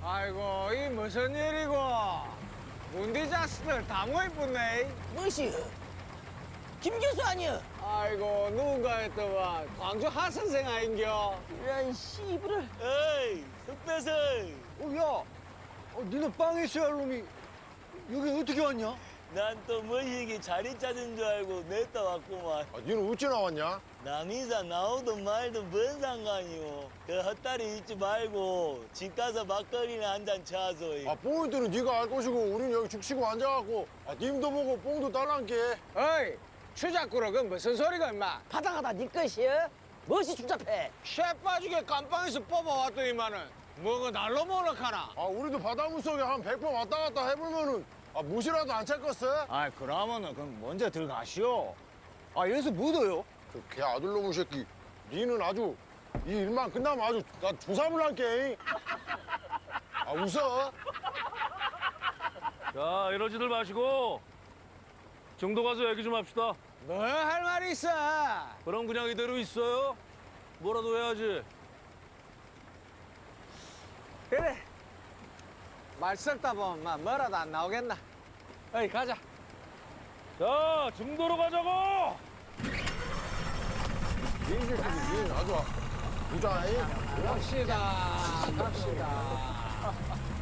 아이고, 이 무슨 일이고? 문디 자식들 다 모이겠네. 무엇이? 김 교수 아니여? 아이고, 누군가 했더만 광주 하 선생 아인겨? 이런 씨부를. 어이, 흑배설. 야, 니는 빵에 있어야 할 놈이 여기 어떻게 왔냐? 난 또 머시기 자리 찾은 줄 알고 냈다 왔구만. 아, 니는 어찌 나왔냐? 남이사 나오든 말든 뭔 상관이오. 그 헛다리 잊지 말고 집 가서 막걸리나 한 잔 쳐서. 아, 포인트는 네가 알 것이고 우린 여기 죽치고 앉아갖고 님도 보고 뽕도 달란게. 어이, 추잡구로 그 무슨 소리가 임마? 바다가다 네 것이여? 무엇이 추잡해? 쇠 빠지게 깜빵에서 뽑아왔더니만은 뭐가 날로 몰락하나? 아, 우리도 바닷물 속에 한 100번 왔다 갔다 해보면은 무시라도 안 찰겠어? 아이, 그러면은 그럼 먼저 들어가시오. 아, 여기서 묻어요? 그 개 아들놈의 새끼. 니는 아주 이 일만 끝나면 아주 나 조삼을 할게. 아, 웃어? 자, 이러지들 마시고 정도 가서 얘기 좀 합시다. 뭐 할 말이 있어? 그럼 그냥 이대로 있어요? 뭐라도 해야지. 그래. 말 썩다 보면 막 뭐라도 안 나오겠나? 어이, 가자. 자, 정도로 가자고! 이 새끼, 니는 아주 부자잉. 갑시다. 갑시다.